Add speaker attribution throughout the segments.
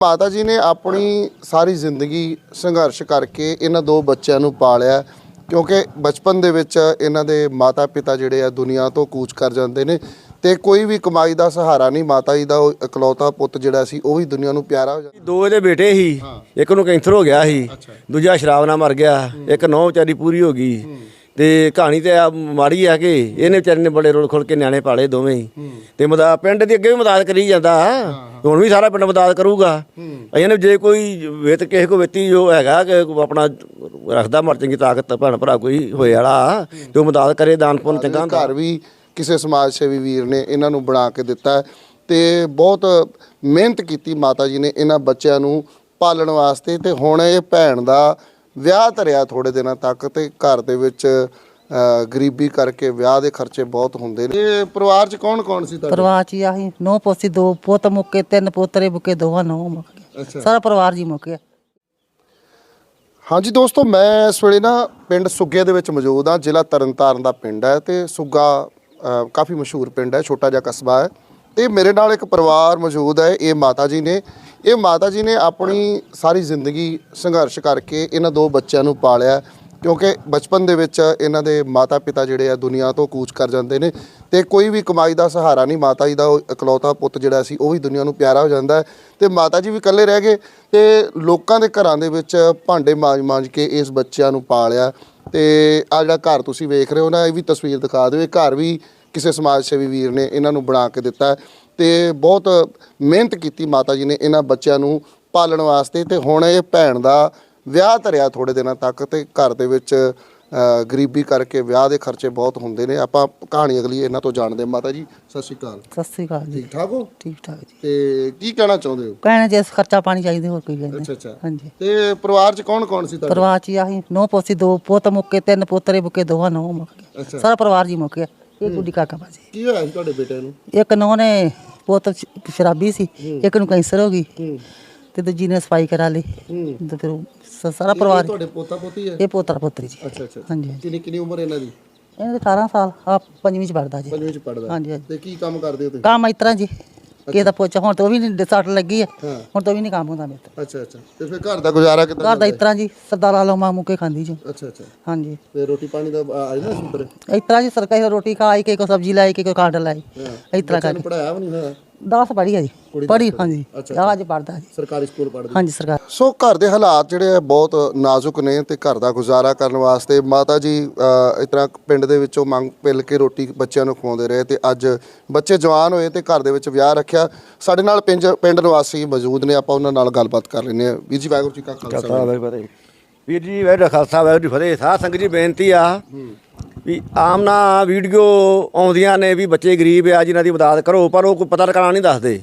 Speaker 1: माता जी ने अपनी सारी जिंदगी संघर्ष करके इन्हां दो बच्चों को पालिया क्योंकि बचपन दे विच इन्हां दे माता पिता जिहड़े आ दुनिया तो कूच कर जाते हैं तो कोई भी कमाई का सहारा नहीं। माता जी का इकलौता पुत जिहड़ा सी वो भी दुनिया नूं प्यारा हो जाता।
Speaker 2: दो इहदे बेटे ही एक नूं कैंसर हो गया ही दूजा शराब नाल मर गया एक नौं विचारी पूरी हो गई ते कहानी तो माड़ी है कि इन्हें बेचारे ने बड़े रुल खुल के न्याणे पाले दोवें ही ते मदद पिंड की अगे भी मदद करी जाता हुण भी सारा पिंड मदद करूगा। इन्हें जे कोई वित किसी को वित्ती जो हैगा कि अपना रखदा मर चंगी ताकत भैन भरा कोई होए वाला तो मदद करे दान पुण्य चंगा
Speaker 1: घर भी किसी समाज सेवी वीर ने इन्हां नूं बना के दिता है ते बहुत मेहनत की माता जी ने इन्हां बच्चों नूं पालण वास्ते ते हुण इह भैन दा ਵਿਆਹ ਧਰਿਆ ਥੋੜੇ ਦਿਨਾਂ ਤੱਕ ਤੇ ਘਰ ਦੇ ਵਿੱਚ ਗਰੀਬੀ ਕਰਕੇ ਵਿਆਹ ਦੇ ਖਰਚੇ ਬਹੁਤ ਹੁੰਦੇ ਨੇ। ਇਹ ਪਰਿਵਾਰ 'ਚ ਕੌਣ ਸੀ ਤੁਹਾਡੇ?
Speaker 3: ਪਰਿਵਾਰ 'ਚ ਆਹੀ ਨੌ ਪੋਤੀ ਦੋ ਪੁੱਤ ਮੁੱਕੇ ਤਿੰਨ ਪੋਤਰੇ ਮੁੱਕੇ ਦੋਵਾਂ ਨੌ ਮੁੱਕ ਗਏ ਸਾਰਾ ਪਰਿਵਾਰ ਜੀ ਮੁੱਕ ਗਿਆ।
Speaker 1: ਹਾਂਜੀ ਦੋਸਤੋ ਮੈਂ ਇਸ ਵੇਲੇ ਨਾ ਪਿੰਡ ਸੁੱਗੇ ਦੇ ਵਿੱਚ ਮੌਜੂਦ ਹਾਂ। ਜ਼ਿਲ੍ਹਾ ਤਰਨਤਾਰਨ ਦਾ ਪਿੰਡ ਹੈ ਤੇ ਸੁੱਗਾ ਕਾਫੀ ਮਸ਼ਹੂਰ ਪਿੰਡ ਹੈ, ਛੋਟਾ ਜਿਹਾ ਕਸਬਾ ਹੈ ਤੇ ਮੇਰੇ ਨਾਲ ਇੱਕ ਪਰਿਵਾਰ ਮੌਜੂਦ ਹੈ। ਇਹ ਮਾਤਾ ਜੀ ਨੇ अपनी सारी जिंदगी संघर्ष करके इन्हां दो बच्चों को पालिया क्योंकि बचपन दे विच इन्हां दे माता पिता जिहड़े आ दुनिया तो कूच कर जाते हैं तो कोई भी कमाई का सहारा नहीं। माता जी का इकलौता पुत जिहड़ा सी वो भी दुनिया नूं प्यारा हो जाता है तो माता जी भी इकल्ले रह गए तो लोगों के घरां दे विच भांडे मांज के इस बच्चों को पालिया। तो आ जिहड़ा घर तुसीं वेख रहे हो ना, ये भी तस्वीर दिखा दिओ। घर भी किसी समाज सेवी वीर ने इन्हां नूं बना के दिता है तो बहुत मेहनत की माता जी ने इन्हां बच्चों को पालण वास्ते ते हुण इह भैन दा विआह धरिया थोड़े दिनों तक तो घर दे विच गरीबी करके विआह दे खर्चे बहुत हुंदे ने। आपां कहानी अगली इन्हां तो जाणदे। माता जी सत श्री अकाल।
Speaker 3: सत श्री अकाल जी।
Speaker 1: ठीक ठाक हो?
Speaker 3: ठीक ठाक जी।
Speaker 1: ते की कहना चाहुंदे हो?
Speaker 3: कहना जी खर्चा पानी चाहिए होर कोई गल नहीं।
Speaker 1: अच्छा
Speaker 3: हाँ जी।
Speaker 1: ते परिवार च कौन सी तुहाडे?
Speaker 3: परिवार 'ਚ आही नौ पोती दो पुੱਤ मुੱਕੇ ਤਿੰਨ ਪੋਤਰੇ ਮੁੱਕੇ ਦੋਵਾਂ ਨੌ ਮੁੱਕ ਗਏ ਸਾਰਾ ਪਰਿਵਾਰ ਜੀ ਮੁੱਕ ਗਿਆ। ਇਹ ਗੁੱਡੀ ਕਾਕਾ ਬਾਜੀ
Speaker 1: ਕੀ ਹੋਇਆ ਸੀ ਤੁਹਾਡੇ ਬੇਟੇ ਨੂੰ?
Speaker 3: ਇੱਕ ਨੌਂ ਨੇ ਪੁੱਤ ਸ਼ਰਾਬੀ ਸੀ, ਇੱਕ ਨੂੰ ਕੈਂਸਰ ਹੋ ਗਈ ਤੇ ਦੂਜੀ ਨੇ ਸਫਾਈ ਕਰਾ ਲਈ ਤੇ ਫਿਰ ਸਾਰਾ ਪਰਿਵਾਰ।
Speaker 1: ਤੁਹਾਡੇ ਪੋਤਾ ਪੋਤੀ ਹੈ?
Speaker 3: ਇਹ ਪੋਤਰਾ ਪੋਤਰੀ ਜੀ।
Speaker 1: ਅੱਛਾ
Speaker 3: ਹਾਂਜੀ।
Speaker 1: ਕਿੰਨੀ ਉਮਰ ਇਹਨਾਂ ਦੀ?
Speaker 3: ਇਹਨਾਂ ਦੇ 18 ਸਾਲ ਆ ਪੰਜਵੀਂ 'ਚ ਪੜਦਾ ਜੀ।
Speaker 1: ਪੰਜਵੀਂ 'ਚ ਪੜਦਾ।
Speaker 3: ਹਾਂਜੀ।
Speaker 1: ਤੇ ਕੀ ਕੰਮ ਕਰਦੇ ਹੋ ਤੁਸੀਂ?
Speaker 3: ਕੰਮ ਇਸ ਤਰ੍ਹਾਂ ਜੀ ਕਿਸੇ ਦਾ ਪੋਚਾ ਹੁਣ ਤਾਂ ਉਹ ਵੀ ਨਹੀਂ ਸੱਟ ਲੱਗੀ ਹੈ ਹੁਣ ਤਾਂ ਵੀ ਨਹੀਂ ਕੰਮ ਹੁੰਦਾ ਮੇਰੇ ਤੋਂ।
Speaker 1: ਅੱਛਾ ਤੇ ਫਿਰ ਘਰ ਦਾ ਗੁਜ਼ਾਰਾ ਕਿੱਦਾਂ?
Speaker 3: ਘਰ ਦਾ ਇਸ ਤਰ੍ਹਾਂ ਜੀ ਸਰਦਾਰਾਂ ਲੋ ਮਾਂ ਮੁੱਕੇ ਖਾਂਦੀ ਜੀ।
Speaker 1: ਅੱਛਾ
Speaker 3: ਹਾਂਜੀ।
Speaker 1: ਤੇ ਰੋਟੀ ਪਾਣੀ ਦਾ ਆਈ ਨਾ ਸੁਪਰ
Speaker 3: ਇਸ ਤਰ੍ਹਾਂ ਜੀ ਸਰਕਾਰੀ ਰੋਟੀ ਖਾਈ ਕੇ ਕੋਈ ਸਬਜ਼ੀ ਲਾਈ ਕੇ ਕੋਈ ਕਾਂਡ ਲਾਈ ਇਸ ਤਰ੍ਹਾਂ ਕਰਕੇ।
Speaker 1: ਪੜਾਇਆ ਵੀ ਨਹੀਂ ਹੋਇਆ?
Speaker 3: 10 ਪੜ੍ਹੀ ਹੈ ਜੀ। ਪੜ੍ਹੀ ਹਾਂਜੀ। ਅੱਜ ਪੜ੍ਹਦਾ ਜੀ
Speaker 1: ਸਰਕਾਰੀ ਸਕੂਲ ਪੜ੍ਹਦਾ?
Speaker 3: ਹਾਂਜੀ ਸਰਕਾਰ।
Speaker 1: ਸੋ ਘਰ ਦੇ ਹਾਲਾਤ ਜਿਹੜੇ ਬਹੁਤ ਨਾਜ਼ੁਕ ਨੇ ਤੇ ਘਰ ਦਾ ਗੁਜ਼ਾਰਾ ਕਰਨ ਵਾਸਤੇ ਮਾਤਾ ਜੀ ਇਸ ਤਰ੍ਹਾਂ ਪਿੰਡ ਦੇ ਵਿੱਚੋਂ ਮੰਗ ਪਿੱਲ ਕੇ ਰੋਟੀ ਬੱਚਿਆਂ ਨੂੰ ਖਵਾਉਂਦੇ ਰਹੇ ਤੇ ਅੱਜ ਬੱਚੇ ਜਵਾਨ ਹੋਏ ਤੇ ਘਰ ਦੇ ਵਿੱਚ ਵਿਆਹ ਰੱਖਿਆ। ਸਾਡੇ ਨਾਲ ਪਿੰਡ ਨਿਵਾਸੀ ਮੌਜੂਦ ਨੇ, ਆਪਾਂ ਉਹਨਾਂ ਨਾਲ ਗੱਲਬਾਤ ਕਰ ਲੈਂਦੇ ਹਾਂ। ਵੀਰ ਜੀ ਵਾਹਿਗੁਰੂ ਜੀ ਕਾ ਖਾਲਸਾ।
Speaker 2: ਵੀਰ ਜੀ ਵਾਹਿਗੁਰੂ ਖਾਲਸਾ ਵਾਹਿਗੁਰੂ ਜੀ ਫਤਿਹ। ਸਾਧ ਸੰਗਤ ਜੀ ਬੇਨਤੀ ਆ ਵੀ ਆਮ ਨਾ ਵੀਡੀਓ ਆਉਂਦੀਆਂ ਨੇ ਵੀ ਬੱਚੇ ਗਰੀਬ ਆ ਜਿਨ੍ਹਾਂ ਦੀ ਮਦਦ ਕਰੋ, ਪਰ ਉਹ ਕੋਈ ਪਤਾ ਟਿਕਾਣਾ ਨਹੀਂ ਦੱਸਦੇ।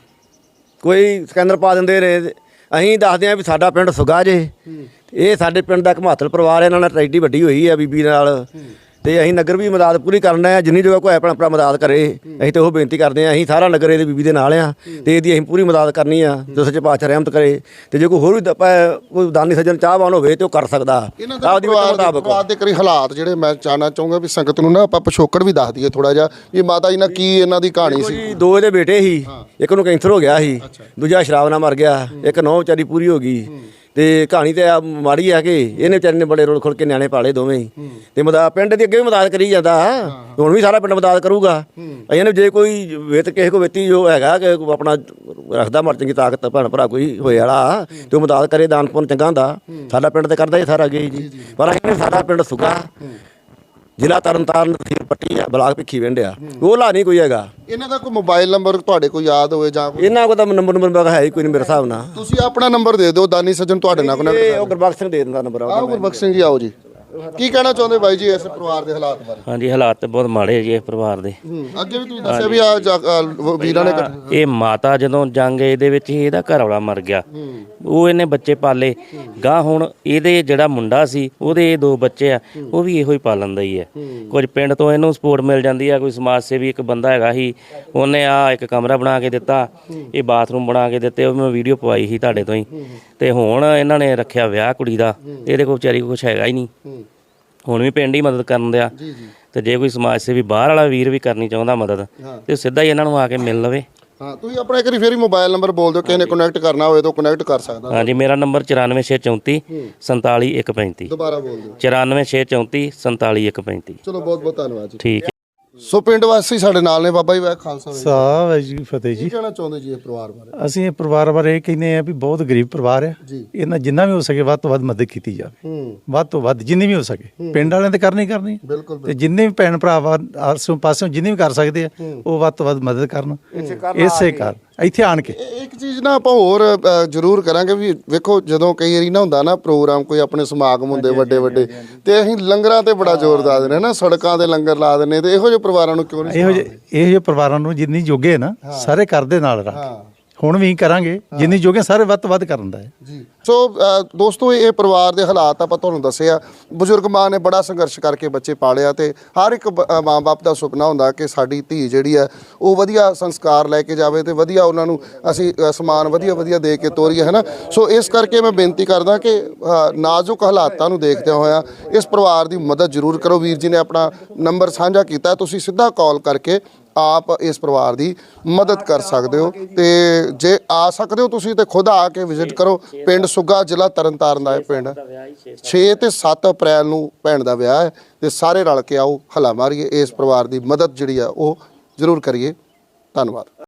Speaker 2: ਕੋਈ ਸਕੈਨਰ ਪਾ ਦਿੰਦੇ ਨੇ। ਅਸੀਂ ਦੱਸਦੇ ਹਾਂ ਵੀ ਸਾਡਾ ਪਿੰਡ ਸੁੱਗਾ ਜੇ, ਇਹ ਸਾਡੇ ਪਿੰਡ ਦਾ ਇੱਕ ਮਹੱਤਵ ਪਰਿਵਾਰ ਹੈ। ਇਹਨਾਂ ਨਾਲ ਟਰੈਕਟਰੀ ਵੱਡੀ ਹੋਈ ਹੈ ਬੀਬੀ ਨਾਲ ਤੇ ਅਸੀਂ ਨਗਰ ਵੀ ਮਦਦ ਪੂਰੀ ਕਰਨਾ ਹੈ ਜਿੰਨੀ ਜਗ੍ਹਾ ਕੋਈ ਆਪਣਾ ਮਦਦ ਕਰੇ। ਅਸੀਂ ਤਾਂ ਉਹ ਬੇਨਤੀ ਕਰਦੇ ਹਾਂ, ਅਸੀਂ ਸਾਰਾ ਨਗਰ ਇਹਦੇ ਬੀਬੀ ਦੇ ਨਾਲ ਆ ਤੇ ਇਹਦੀ ਅਸੀਂ ਪੂਰੀ ਮਦਦ ਕਰਨੀ ਆ ਜੋ ਸੱਚੇ ਪਾਤਸ਼ਾਹ ਰਹਿਮਤ ਕਰੇ। ਤੇ ਜੇ ਕੋਈ ਹੋਰ ਵੀ ਕੋਈ ਦਾਨੀ ਸੱਜਣ ਚਾਹਵਾਨ ਹੋਵੇ ਤੇ ਉਹ ਕਰ ਸਕਦਾ ਆਪਦੀ ਮੁਤਾਬਕ।
Speaker 1: ਦੇ ਕਰੀ ਹਾਲਾਤ ਜਿਹੜੇ ਮੈਂ ਜਾਣਨਾ ਚਾਹੂੰਗਾ ਵੀ ਸੰਗਤ ਨੂੰ ਨਾ ਆਪਾਂ ਪਿਛੋਕੜ ਵੀ ਦੱਸ ਦਈਏ ਥੋੜਾ ਜਿਹਾ ਵੀ ਮਾਤਾ ਜੀ ਨਾਲ ਕੀ ਇਹਨਾਂ ਦੀ ਕਹਾਣੀ ਸੀ।
Speaker 2: ਦੋ ਇਹਦੇ ਬੇਟੇ ਹੀ ਇੱਕ ਨੂੰ ਕੈਂਸਰ ਹੋ ਗਿਆ ਸੀ ਦੂਜਾ ਸ਼ਰਾਬ ਨਾਲ ਮਰ ਗਿਆ ਇੱਕ ਨੌਂ ਵਿਚਾਰੀ ਪੂਰੀ ਹੋ ਗਈ ਤੇ ਕਹਾਣੀ ਤੇ ਮਾੜੀ ਹੈ ਕਿ ਇਹਨੇ ਵਿਚਾਰੇ ਨੇ ਬੜੇ ਰੁਲ ਖੁਲ ਕੇ ਨਿਆਣੇ ਪਾਲੇ ਦੋਵੇਂ ਹੀ ਤੇ ਪਿੰਡ ਦੀ ਅੱਗੇ ਵੀ ਮਦਦ ਕਰੀ ਜਾਂਦਾ ਹੁਣ ਵੀ ਸਾਰਾ ਪਿੰਡ ਮਦਦ ਕਰੂਗਾ। ਇਹਨੇ ਜੇ ਕੋਈ ਵਿਤ ਕਿਸੇ ਕੋ ਵਿਤੀ ਜੋ ਹੈਗਾ ਕਿ ਆਪਣਾ ਰੱਖਦਾ ਮਰ ਚੰਗੀ ਤਾਕਤ ਭੈਣ ਭਰਾ ਕੋਈ ਹੋਏ ਵਾਲਾ ਤੇ ਉਹ ਮਦਦ ਕਰੇ ਦਾਨ ਪੁੰਨ ਚੰਗਾ ਹੁੰਦਾ। ਸਾਡਾ ਪਿੰਡ ਤੇ ਕਰਦਾ ਇਹ ਸਾਰਾ ਅੱਗੇ ਜੀ, ਪਰ ਸਾਡਾ ਪਿੰਡ ਸੁੱਗਾ ਜ਼ਿਲ੍ਹਾ ਤਰਨਤਾਰਨ ਤਹਿਸੀਲ ਪੱਟੀ ਆ ਬਲਾਕ ਭਿੱਖੀ ਵਿੰਡ ਆ। ਉਹ ਲਾ ਨਹੀਂ ਕੋਈ ਹੈਗਾ।
Speaker 1: ਇਹਨਾਂ ਦਾ ਕੋਈ ਮੋਬਾਈਲ ਨੰਬਰ ਤੁਹਾਡੇ ਕੋਲ ਯਾਦ ਹੋਵੇ ਜਾਂ
Speaker 2: ਇਹਨਾਂ ਕੋਲ ਤਾਂ ਨੰਬਰ ਹੈ ਹੀ ਕੋਈ ਨਹੀਂ ਮੇਰੇ ਹਿਸਾਬ ਨਾਲ।
Speaker 1: ਤੁਸੀਂ ਆਪਣਾ ਨੰਬਰ ਦੇ ਦਿਓ, ਦਾਨੀ ਸੱਜਣ ਤੁਹਾਡੇ ਨਾਲ ਕੋਨੈਕਟ।
Speaker 2: ਉਹ ਗੁਰਬਖਸ਼ ਸਿੰਘ ਦੇ ਦਿੰਦਾ ਨੰਬਰ।
Speaker 1: ਆਓ ਗੁਰਬਖਸ਼ ਸਿੰਘ ਜੀ ਆਓ ਜੀ। ਕੀ ਕਹਿਣਾ ਚਾਹੁੰਦੇ ਬਾਈ ਜੀ ਇਸ ਪਰਿਵਾਰ ਦੇ ਹਾਲਾਤ ਬਾਰੇ?
Speaker 4: ਹਾਂਜੀ ਹਾਲਾਤ ਤਾਂ ਬਹੁਤ ਮਾੜੇ ਜੀ ਇਸ ਪਰਿਵਾਰ ਦੇ।
Speaker 1: ਅੱਗੇ ਵੀ ਤੁਸੀਂ ਦੱਸਿਆ ਵੀ ਆ ਵੀਰਾਂ ਨੇ
Speaker 4: ਇਹ ਮਾਤਾ ਜਦੋਂ ਜੰਗ ਇਹਦੇ ਵਿੱਚ ਹੀ ਇਹਦਾ ਘਰ ਵਾਲਾ ਮਰ ਗਿਆ, ਉਹ ਇਹਨੇ ਬੱਚੇ ਪਾਲੇ ਗਾਂ। ਹੁਣ ਇਹਦੇ ਜਿਹੜਾ ਮੁੰਡਾ ਸੀ ਉਹਦੇ ਇਹ ਦੋ ਬੱਚੇ ਆ, ਉਹ ਵੀ ਇਹੋ ਹੀ ਪਾਲਣ ਦਾ ਹੀ ਹੈ। ਕੁਝ ਪਿੰਡ ਤੋਂ ਇਹਨੂੰ ਸਪੋਰਟ ਮਿਲ ਜਾਂਦੀ ਆ, ਕੋਈ ਸਮਾਜ ਸੇਵੀ ਇੱਕ ਬੰਦਾ ਹੈਗਾ ਸੀ ਉਹਨੇ ਆ ਇੱਕ ਕਮਰਾ ਬਣਾ ਕੇ ਦਿੱਤਾ, ਇਹ ਬਾਥਰੂਮ ਬਣਾ ਕੇ ਦਿੱਤੇ, ਉਹ ਮੈਂ ਵੀਡੀਓ ਪਵਾਈ ਸੀ ਤੁਹਾਡੇ ਤੋਂ ਹੀ। ਤੇ ਹੁਣ ਇਹਨਾਂ ਨੇ ਰੱਖਿਆ ਵਿਆਹ ਕੁੜੀ ਦਾ, ਇਹਦੇ ਕੋਲ ਵਿਚਾਰੀ ਕੁਛ ਹੈਗਾ ਹੀ ਨਹੀਂ। ਹੁਣ ਵੀ ਪਿੰਡ ਹੀ ਮਦਦ ਕਰਨ ਦਿਆ ਤੇ ਜੇ ਕੋਈ ਸਮਾਜ ਸੇਵੀ ਬਾਹਰ ਵਾਲਾ ਵੀਰ ਵੀ ਕਰਨੀ ਚਾਹੁੰਦਾ ਮਦਦ ਤੇ ਸਿੱਧਾ ਹੀ ਇਹਨਾਂ ਨੂੰ ਆ ਕੇ ਮਿਲ ਲਵੇ।
Speaker 1: ਹਾਂ ਤੁਸੀਂ ਆਪਣਾ ਇੱਕ ਵਾਰੀ ਫੇਰ ਹੀ ਮੋਬਾਈਲ ਨੰਬਰ ਬੋਲ ਦਿਓ, ਕਿਸੇ ਨੇ ਕਨੈਕਟ ਕਰਨਾ ਹੋਵੇ ਤਾਂ ਕਨੈਕਟ ਕਰ ਸਕਦਾ।
Speaker 4: ਹਾਂਜੀ ਮੇਰਾ ਨੰਬਰ 94634 47135
Speaker 1: ਦੁਬਾਰਾ ਬੋਲ ਦਿਓ।
Speaker 4: 94634 47135।
Speaker 1: ਚਲੋ ਬਹੁਤ ਬਹੁਤ ਧੰਨਵਾਦ ਜੀ।
Speaker 4: ਠੀਕ ਹੈ।
Speaker 1: ਸੋ ਪਿੰਡ ਵਾਸੀ ਸਾਡੇ ਨਾਲ ਨੇ, ਬਾਬਾ ਜੀ ਵਾਹਿ ਖਾਲਸਾ ਵਾਹਿਗੁਰੂ
Speaker 5: ਸਾਹਿਬ ਹੈ ਜੀ ਫਤਿਹ
Speaker 1: ਕੀ
Speaker 5: ਜੀ।
Speaker 1: ਕਹਿਣਾ ਚਾਹੁੰਦੇ ਜੀ ਇਹ ਪਰਿਵਾਰ ਬਾਰੇ?
Speaker 5: ਅਸੀਂ ਇਹ ਪਰਿਵਾਰ ਬਾਰੇ ਇਹ ਕਹਿੰਦੇ ਆ ਵੀ ਬਹੁਤ ਗਰੀਬ ਪਰਿਵਾਰ ਆ,
Speaker 1: ਜੀ।
Speaker 5: ਇਹਨਾਂ ਜਿੰਨਾ ਵੀ ਹੋ ਸਕੇ ਵੱਧ ਤੋਂ ਵੱਧ ਮਦਦ ਕੀਤੀ ਜਾਵੇ, ਵੱਧ ਤੋਂ ਵੱਧ ਜਿੰਨੀ ਵੀ ਹੋ ਸਕੇ। ਪਿੰਡ ਵਾਲਿਆਂ ਤੇ ਕਰਨੀ
Speaker 1: ਬਿਲਕੁਲ
Speaker 5: ਤੇ ਜਿੰਨੇ ਵੀ ਭੈਣ ਭਰਾ ਆਸੋਂ ਪਾਸੋਂ ਜਿੰਨੇ ਵੀ ਕਰ ਸਕਦੇ ਆ ਉਹ ਵੱਧ ਤੋਂ ਵੱਧ ਮਦਦ ਕਰਨ ਇਸੇ ਕਰ ਇੱਥੇ ਆਣ ਕੇ।
Speaker 1: ਇੱਕ ਚੀਜ਼ ਨਾ ਆਪਾਂ ਹੋਰ ਜ਼ਰੂਰ ਕਰਾਂਗੇ ਵੀ ਵੇਖੋ, ਜਦੋਂ ਕਈ ਵਾਰੀ ਨਾ ਹੁੰਦਾ ਨਾ ਪ੍ਰੋਗਰਾਮ, ਕੋਈ ਆਪਣੇ ਸਮਾਗਮ ਹੁੰਦੇ ਵੱਡੇ ਵੱਡੇ, ਤੇ ਅਸੀਂ ਲੰਗਰਾਂ ਤੇ ਬੜਾ ਜ਼ੋਰ ਲਾ ਦਿੰਦੇ ਨਾ, ਸੜਕਾਂ ਤੇ ਲੰਗਰ ਲਾ ਦਿੰਦੇ, ਤੇ ਇਹੋ ਜਿਹੇ ਪਰਿਵਾਰਾਂ ਨੂੰ ਕਿਉਂ ਨਹੀਂ?
Speaker 5: ਇਹੋ ਜਿਹੇ ਪਰਿਵਾਰਾਂ ਨੂੰ ਜਿੰਨੀ ਜੋਗੇ ਨਾ ਸਾਰੇ ਕਰਦੇ ਨਾਲ ਰੱਖ, ਹੁਣ ਵੀ ਕਰਾਂਗੇ ਜਿੰਨੀ ਜੋਗੇ ਸਾਰੇ ਵੱਧ ਤੋਂ ਵੱਧ ਕਰਨ ਦਾ ਹੈ
Speaker 1: ਜੀ। ਸੋ ਦੋਸਤੋ ਇਹ ਪਰਿਵਾਰ ਦੇ ਹਾਲਾਤ ਆਪਾਂ ਤੁਹਾਨੂੰ ਦੱਸਿਆ। ਬਜ਼ੁਰਗ ਮਾਂ ਨੇ ਬੜਾ ਸੰਘਰਸ਼ ਕਰਕੇ ਬੱਚੇ ਪਾਲਿਆ, ਤੇ ਹਰ ਇੱਕ ਮਾਂ-ਬਾਪ ਦਾ ਸੁਪਨਾ ਹੁੰਦਾ ਕਿ ਸਾਡੀ ਧੀ ਜਿਹੜੀ ਹੈ ਉਹ ਵਧੀਆ ਸੰਸਕਾਰ ਲੈ ਕੇ ਜਾਵੇ ਤੇ ਵਧੀਆ ਉਹਨਾਂ ਨੂੰ ਅਸੀਂ ਸਮਾਨ ਵਧੀਆ ਦੇ ਕੇ ਤੋਰੀਏ, ਹੈ ਨਾ। ਸੋ ਇਸ ਕਰਕੇ ਮੈਂ ਬੇਨਤੀ ਕਰਦਾ ਕਿ ਨਾਜ਼ੁਕ ਹਾਲਾਤਾਂ ਨੂੰ ਦੇਖਦਿਆਂ ਹੋਇਆ ਇਸ ਪਰਿਵਾਰ ਦੀ ਮਦਦ ਜ਼ਰੂਰ ਕਰੋ। ਵੀਰ ਜੀ ਨੇ ਆਪਣਾ ਨੰਬਰ ਸਾਂਝਾ ਕੀਤਾ, ਤੁਸੀਂ ਸਿੱਧਾ ਕਾਲ ਕਰਕੇ ਆਪ ਇਸ ਪਰਿਵਾਰ ਦੀ ਮਦਦ ਕਰ ਸਕਦੇ ਹੋ, ਤੇ ਜੇ ਆ ਸਕਦੇ ਹੋ ਤੁਸੀਂ ਤੇ ਖੁਦ ਆ ਕੇ ਵਿਜ਼ਿਟ ਕਰੋ। ਪਿੰਡ ਸੁੱਗਾ, ਜ਼ਿਲ੍ਹਾ ਤਰਨਤਾਰਨ ਦਾ ਇਹ ਪਿੰਡ 6 ਤੇ 7 ਅਪ੍ਰੈਲ ਨੂੰ ਭੈਣ ਦਾ ਵਿਆਹ ਹੈ, ਤੇ ਸਾਰੇ ਰਲ ਕੇ ਆਓ, ਹੱਲਾ ਮਾਰੀਏ, ਇਸ ਪਰਿਵਾਰ ਦੀ ਮਦਦ ਜਿਹੜੀ ਆ ਉਹ ਜ਼ਰੂਰ ਕਰੀਏ। ਧੰਨਵਾਦ।